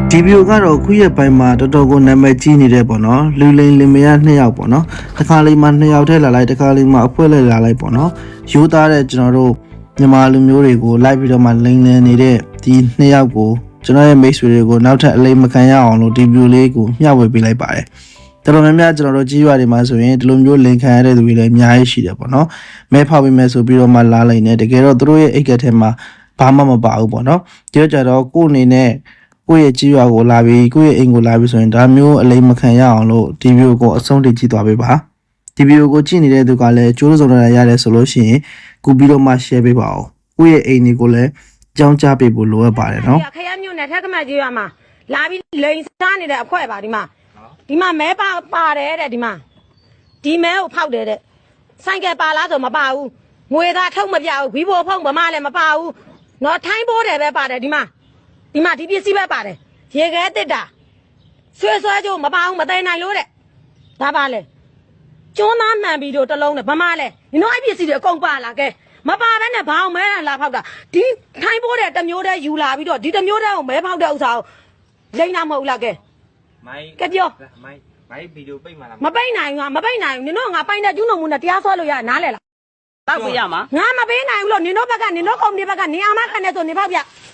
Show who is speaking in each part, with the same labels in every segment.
Speaker 1: ဒီဗီဒီယိုကတော့ခုရဲ့ပိုင်းမှာတော်တော်ကိုနာမည်ကြီးနေတဲ့ပေါ့နော်လူလိန်လင်မယား2ယောက်ပေါ့နော်တစ်ခါလေးမှ2ယောက်ထဲလာလိုက်တစ်ခါလေးမှအဖွဲလဲလာလိုက်ပေါ့နော်ရိုးသားတဲ့ကျွန်တော်တို့မြန်မာလူမျိုးတွေကိုလိုက်ပြီးတော့မှလိန်လည်နေတဲ့ဒီ2ယောက်ကိုကျွန်တော်ရဲ့မိတ်ဆွေတွေကိုနောက်ထပ်အလိမ်မခံရအောင်လို့ဒီဗီဒီယိုလေးကိုမျှဝေပေးလိုက်ပါတယ်တော်တော်များများကျွန်တော်တို့ကြီးရွာတွေမှာဆိုရင်ဒီလိုမျိုးလိန်ခံရတဲ့သူတွေလည်းအများကြီးရှိတယ်ပေါ့နော်မဲဖောက်ပြီးမဲ့ဆိုပြီးတော့မှလာလိုက်နေတကယ်တော့သူတို့ရဲ့အိတ်ကက်ထဲမှာဘာမှမပါဘူးပေါ့နော်ဒီတော့ကြတော့ကိုယ်အနေနဲ့ကိုယ့်ရဲ့ကြီးရွာကိုလာပြီးကိုယ့်ရဲ့အိမ်ကိုလာပြီးဆိုရင်ဒါမျိုးအလိမ်မခံရအောင်လို့ဒီဗီဒီယိုကိုအဆုံးထိကြည့်သွားပေးပါဒီဗီဒီယိုကိုကြည့်နေတဲ့သူကလည်းကျိုးစုံရရတယ်ဆိုလို့ရှိရင်ကူပြီးတော့မှ share ပေးပါဦးကိုယ့်ရဲ့အိမ်တွေကိုလည်းကြောင်းကြားပေးဖို့လိုအပ်ပါတယ်နော်
Speaker 2: ခရမျိုးနဲ့ထက်ကမှကြီးရွာမှာလာပြီးလိန်စားနေတဲ့အခွဲ့ပါဒီမှာမဲပါတယ်တဲ့ဒီမဲကိုဖောက်တယ်တဲ့ဆိုင်ကယ်ပါလားဆိုမပါဘူးငွေသားထုတ်မပြဘူးဘီဘိုဖုံးဗမာလည်းမပါဘူးနော်ထိုင်းဘိုးတယ်ပဲပါတယ်ဒီပစ္စည်းပဲပါတယ်ရေခဲတစ်တာဆွဲကြိုးမပါဘူးမသိနိုင်လို့တဲ့ဒါပါလေကျွန်းသားမှန်ပြီးတော့တလုံးနဲ့ဗမာလဲနင်တို့အဲ့ပစ္စည်းတွေအကုန်ပါလာကဲမပါဘဲနဲ့ဘာအောင်မဲလာဖောက်တာဒီထိုင်းဘိုးတဲ့တစ်မျိုးတည်းယူလာပြီးတော့ဒီတစ်မျိုးတည်းကိုမဲဖောက်တဲ့ဥစ္စာကိုလိမ့်တာမဟုတ်လားကဲကဲပြော
Speaker 3: မိုင်းဗီဒီယိုပိတ်မှလား
Speaker 2: မပိတ်နိုင်ဘူးနင်တို့ငါပိုင်တဲ့ကျူးနှုံမှုနဲ့တရားစွဲလို့ရနားလဲလား
Speaker 4: တောက်ပြရမှာ
Speaker 2: ငါမပေးနိုင်ဘူးလို့နင်တို့ဘက်ကနင်တို့ကုမ္ပဏီဘက်ကနင်အာမခံနေဆိုနေဖောက်ပြ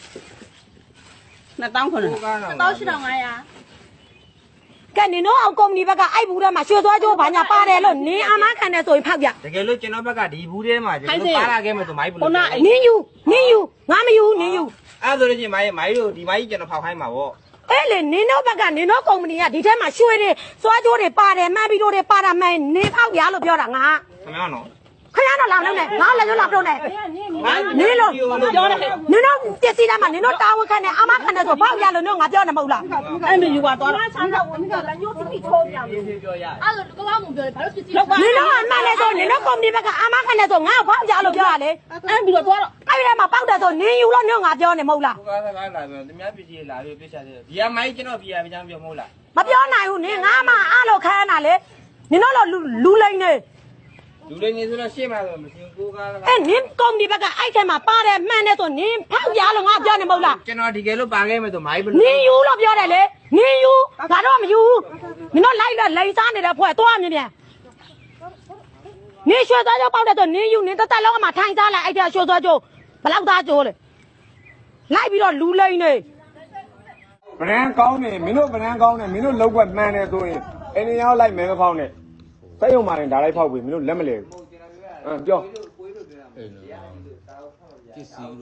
Speaker 4: 2900
Speaker 3: 2500
Speaker 2: ကဲနင်တို့အောင်ကုမ္ပဏီဘက်ကအဲ့ဘူးထဲမှာရွှေသွားကြိုးဘာညာပါတယ်လို့နင်အာမခံနေဆိုရင်ဖောက်ပြ
Speaker 3: တကယ်လို့ကျွန်တော်ဘက်ကဒီဘူးထဲမှာကျွန်တော်ပါလာခဲ့မယ်ဆိုမိုင်းဘလို့
Speaker 2: နင်ယူငါမယူနင်ယူ
Speaker 3: အဲ့ဆိုလို့ချင်းမိုင်းတို့ဒီမိုင်းကျွန်တော်ဖောက်ခိုင်းမှာဗော
Speaker 2: အဲ့လေနင်တို့ဘက်ကနင်တို့ကုမ္ပဏီကဒီထဲမှာရွှေတွေစွားကြိုးတွေပါတယ်မှန်ပြီးတော့တွေပါတာမှန်နေဖောက်ရလို့ပြောတာငါ
Speaker 3: ခင်ဗျားနော်
Speaker 2: ခရတော့လာတော့နဲ့ငါလည်းလာတော့နဲ့နင်လို့ပြောတယ်နင်တို့ပစ္စည်းတိုင်းမှာနင်တို့တာဝန်ခံနေအာမခံနေဆိုဖောက်ရလို့ငါပြောနေမဟုတ်လား
Speaker 4: အဲ့မယူပါသွား
Speaker 2: တော့ဆန်းတော့ဝင်ပြီးတော့လက်ညှိုးတိထိုးပြမယ်ပြောရအဲ့လိုကောင်းမှုပြောတယ်ဘာလို့ပစ္စည်းနင်တို့အမှန်လဲဆိုနင်တို့ကုမ္ပဏီဘက်ကအာမခံနေဆိုငါ့ကိုဖောက်ရလို့ပြောရလေ
Speaker 4: အဲ့ပြီးတော့သွားတော့
Speaker 2: အဲ့ဒီမှာပေါက်တယ်ဆိုနင်ယူလို့ငါပြောနေမဟုတ်လား
Speaker 3: ကိုကားလာပြောသူများပစ္စည်းလာပြီးပြစ်ချတယ်ဒီကမိုင်းကျွန်တော်ပြရပြချမ်းပြောမဟုတ်လား
Speaker 2: မပြောနိုင်ဘူးနင်ငါမှအားလို့ခမ်းတာလေနင်တို့လူလိမ့်နေ
Speaker 3: လူလေးနေဆိုတော့ရှေ့မှာဆိုမရှင်ကိုကား
Speaker 2: အဲ့နင်ကုမ္ပဏီဘက်ကအဲ့ထဲမှာပါတယ်မှန်တယ်ဆိုနင်ဖောက်ရလို့ငါပြောနေမဟုတ်လား
Speaker 3: ကျွန်တော်ဒီကဲလို့ပါခဲ့မယ်ဆိုမိုင်းဘလို့
Speaker 2: နင်ယူလို့ပြောတယ်လေနင်ယူငါတော့မယူဘူးနင်တို့လိုက်လိန်စားနေတဲ့ဖွဲ့သွားမြင်ပြန်နင်ရွှေသွားကြပေါက်တယ်ဆိုနင်ယူနင်တက်လုံးအမှထိုင်စားလိုက်အဲ့ထဲရွှေသွားကြဘလောက်သားကြိုးလေလိုက်ပြီးတော့လူလိန်နေ
Speaker 5: ဗရန်ကောင်းနေမင်းတို့ဗရန်ကောင်းနေမင်းတို့လောက်ွက်မှန်တယ်ဆိုရင်အင်းရောလိုက်မဲမဖောက်နဲ့စိတ်ုံမာရင်ဒါလိုက်ဖောက်ပြီမင်းတို့လက်မလဲဘူးပြော
Speaker 6: ပစ္စည်းလို့ပါလို့လာရောက်ပြီးတော့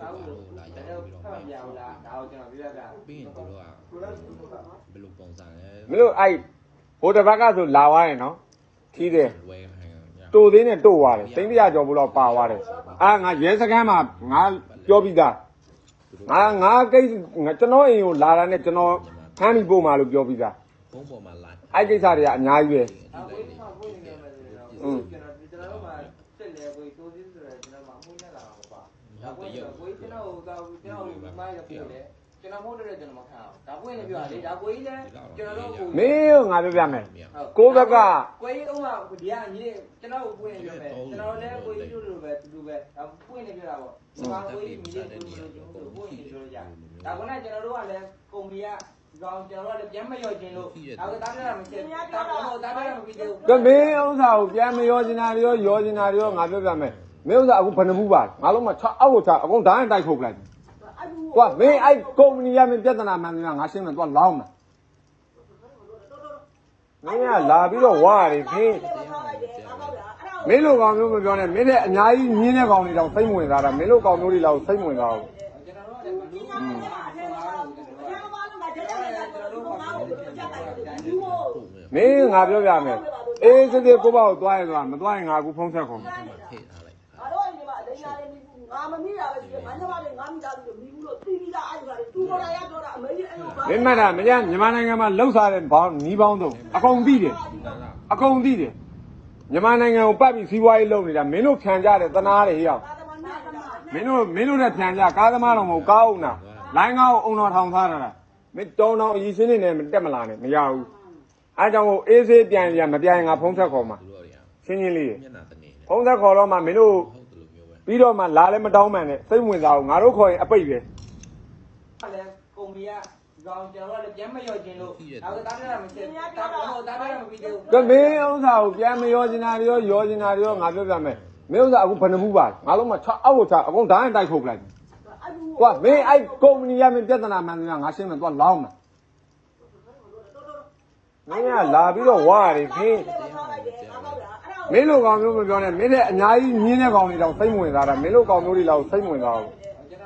Speaker 6: ပြီးရင်တို့ကဘယ်လိုပုံစံလဲ
Speaker 5: မင်းတို့အဲ့ဟိုတစ်ဘက်ကဆိုလာသွားရင်နော်ထီးတယ်တိုသေးနဲ့တို့သွားတယ်သိန်း100ကျော်ဘူးတော့ပါသွားတယ်ငါရဲစခန်းမှာငါပြောပြီးသားငါကိစ္စကျွန်တော်အိမ်ကိုလာတာနဲ့ကျွန်တော်ဖမ်းပြီးပို့မှာလို့ပြောပြီးသား
Speaker 6: ဘုံပေါ်မှာလာ
Speaker 5: အဲ့ကိစ္စတွေကအများကြီးပဲ
Speaker 6: ကျွန်တော်မှတက်လေကိုတိုးသေးဆိုတော့ကျွန်တော်မှမှုနဲ့လာမှာပါဒါကိုကျွန်တော်မိုင်းရပြတယ်ကျွန်တော်မဟုတ်တဲ့ကျွန်တော်မခံအောင်ဒါကိုရင်လည်းပြောရလေဒါကိုကြီးလည်းကျွန်တော်တို့
Speaker 5: မင်းငါပြောပြမယ်ကိုဘက်က
Speaker 6: ကိုကြီးဥမာဒီကညီကျွန်တော်ကိုပွင့်ပြောမယ်ကျွန်တော်လည်းကိုကြီးတို့လိုပဲတူတူပဲဒါပွင့်နေပြောတာပေါ့ဒီမှာကိုကြီးညီလေးတို့လိုပွင့်နေပြောကြဒါကလည်းကျွန်တော်တို့ကလည်းကုမ္ပဏီကကောင်းကျွန်တော်တို့လည်းပြန်မရောကျင်လို့ဒါကတားပြတာမရှိဘူးတားပြတာမပြီးသေးဘူး
Speaker 5: ကမင်းဥစ္စာကိုပြန်မရောကျင်တာရောကျင်တာငါပြောပြမယ်မင်းဥစ္စာအခုဘယ်နှမှုပါငါလုံးမချအောက်ကိုချအကုန်ဓာတ်တိုက်ထုတ်လိုက်ကွာမင်းအဲ့ကုမ္ပဏီရမင်းပြဿနာမှန်တယ်ငါရှင်းမယ်သွားလောင်းမယ်မင်းကလာပြီးတော့ဝါရတယ်မင်းလိုကောင်မျိုးမပြောနဲ့မင်းနဲ့အများကြီးညင်းတဲ့ကောင်တွေတောင်စိတ်ဝင်စားတာမင်းလိုကောင်မျိုးတွေလောက်စိတ်ဝင်စားဘူးမင်းငါပြောပြမယ်အေးစစ်စစ်ကိုပေါ့သွားရင်သွားမသွားရင်ငါအခုဖုန်းဆက်ခေါ်မယ်
Speaker 2: ငါတို့အိမ်မှာအလိမ်လာနေပြီငါမမိတာပဲဒီမန်းသမားတွေငါမိသားစုတွေမိဘူးလို့တီးပြီးသားအဲ့ဒါတွေသူပေါ်လာရတော့တာအမေကြီးအဲ့လို
Speaker 5: မင်းမတ်တာမင်းမြန်မာနိုင်ငံမှာလှုပ်ရှားတဲ့ဘောင်းနီးပေါင်းတော့အကုန်သိတယ်မြန်မာနိုင်ငံကိုပတ်ပြီးစီးပွားရေးလုပ်နေတာမင်းတို့ဖြန်ကြတယ်တနာတယ်ဟေ့အောင်မင်းတို့နဲ့ဖြန်ကြကားသမားတော်မဟုတ်ကားအောင်နာလိုင်းကားကိုအုံတော်ထောင်ထားတာမင်းတောင်းတောင်းအကြီးရှင်းနေနဲ့တက်မလာနဲ့မရဘူးအဲကြောင့်ကိုအေးဆေးပြန်ရမပြန်ငါဖုန်းဆက်ခေါ်မှာရှင်းလေးဖုန်းဆက်ခေါ်တော့မှမင်းတို့ပြီးတော့မှလာလည်းမတောင်းမှန်နဲ့စိတ်ဝင်စားအောင်ငါတို့ခေါ်ရင်အပိတ်ပဲ
Speaker 6: လည်းကုမ္ပဏီကကောင်ကျွန်တော်တို့လည်းပြန်မရောခြင်းလို့ဒါကတားရတာမဖြစ်တာတော့တားရမပြီးသေးဘူး
Speaker 5: ကမင်းဥစ္စာကိုပြန်မရောချင်တာတွေရောချင်တာတွေရောငါပြောပြမယ်မင်းဥစ္စာအခုဘယ်နှမှုပါငါလုံးမချအောက်ကိုချအကုန်ဓာတ်နဲ့တိုက်ထုတ်ပလိုက်ကွာမင်းအဲ့ကုမ္ပဏီရမင်းပြဿနာမှန်တယ်ငါရှင်းမယ်သွားလောင်းမယ်မင်းကလာပြီးတော့ဝါရီခင်းမင်းလိုကောင်မျိုးမပြောနဲ့မင်းတဲ့အများကြီးညင်းတဲ့ကောင်တွေတောင်စိတ်ဝင်စားတာမင်းလိုကောင်မျိုးတွေလောက်စိတ်ဝင်စားဘူး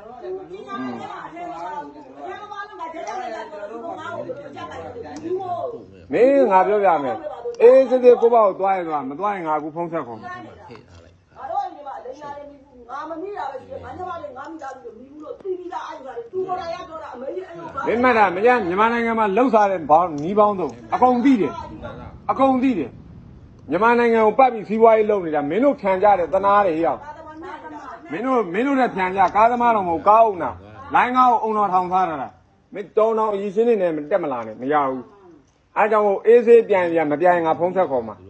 Speaker 5: မင်းငါပြောပြမယ်အေးစစ်စစ်ကိုပေါ့သွားရင်သွားမသွားရင်ငါအခုဖုံးဆက်ခေါ်မယ်
Speaker 7: ငါတို့အိမ်မှာလိမ့်လာတယ်ငါမမိတာပဲရှိတယ်ငါညမလေးငါမိသားစုမိဘူးလို့တီးပြီးသားအဲ့ဒါတွေသူပေါ်လာရတော့တာအမေကြီးအဲ့လိုပါ
Speaker 5: မင်းမတ်တာမကြမြန်မာနိုင်ငံမှာလှုပ်ရှားတဲ့ဘောင်းနီးပေါင်းတော့အကုန်သိတယ်မြန်မာနိုင်ငံကိုပတ်ပြီးစီးပွားရေးလုပ်နေတာမင်းတို့ခံကြတယ်တနာတယ်ဟေ့အောင်မင်းတို့နဲ့ဖြန်ကြကားသမားတော်မဟုတ်ကားအောင်နာလိုင်းကားကိုအုံတော်ထောင်ထားတာမင်းတောင်းတော့အရင်ရှင်းနေနဲ့မတက်မလာနဲ့မရဘူးအဲကြောင့်အေးဆေးပြန်မပြန်ငါဖုံးဆက်ခေါ်မှာ